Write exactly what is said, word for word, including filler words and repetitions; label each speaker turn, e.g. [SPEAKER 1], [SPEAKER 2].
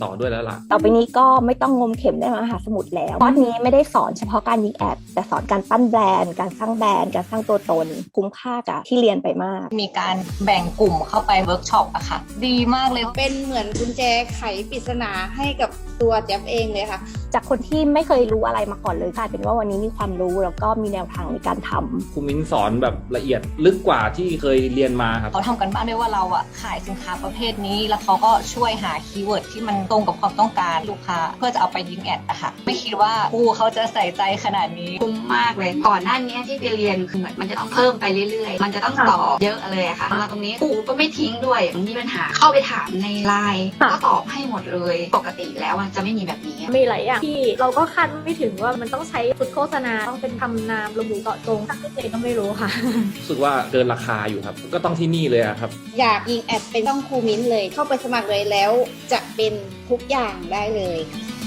[SPEAKER 1] ต่อด้วยแล้วล่ะ
[SPEAKER 2] ต่อไปนี้ก็ไม่ต้องงมเข็มในมหาสมุทรแล้วคอร์สนี้ไม่ได้สอนเฉพาะการยิงแอดแต่สอนการปั้นแบรนด์การสร้างแบรนด์การสร้างตัวตนคุ้มค่ากับที่เรียนไปมาก
[SPEAKER 3] มีการแบ่งกลุ่มเข้าไปเวิร์กช็อปอะค่ะดีมากเลย
[SPEAKER 4] เป็นเหมือนกุญแจไขปริศนาให้กับตัวแจ๊บเองเลยค่ะ
[SPEAKER 2] จากคนที่ไม่เคยรู้อะไรมาก่อนเลยกลายเป็นว่าวันนี้มีความรู้แล้วก็มีแนวทางในการทำ
[SPEAKER 1] ครูมิ้นสอนแบบละเอียดลึกกว่าที่เคยเรียนมาครับ
[SPEAKER 3] เขาทำกันบ้านด้วยว่าเราอะขายสินค้าประเภทนี้แล้วเขาก็ช่วยหาคีย์เวิร์ดที่มันตรงกับความต้องการลูกค้าเพื่อจะเอาไปยิงแอดอะค่ะไม่คิดว่าครูเขาจะใส่ใจขนาดนี้
[SPEAKER 5] คุ้มมากเลยก่อนหน้านี้ที่ไปเรียนคือเหมือนมันจะต้องเพิ่มไปเรื่อยๆมันจะต้องตอบเยอะเลยอะค่ะมาตรงนี้ครูก็ไม่ทิ้งด้วยมีปัญหาเข้าไปถามในไลน์ก็ตอบให้หมดเลยปกติแล้วมันจะไม่มีแบบนี้
[SPEAKER 6] มีหลายอย่างที่เราก็คาดไม่ถึงว่ามันต้องใช้ชุดโฆษณาต้องเป็นคำนามระบุเจาะจงทั้งที่ตัวเองก็ไม่รู้ค่ะ
[SPEAKER 1] รู้สึกว่าเกินราคาอยู่ครับก็ต้องที่นี่เลยครับ
[SPEAKER 4] อยากยิงแอดเป็นต้องครูมิ้นเลยเข้าไปสมัครเลยแล้วจะเป็นทุกอย่างได้เลย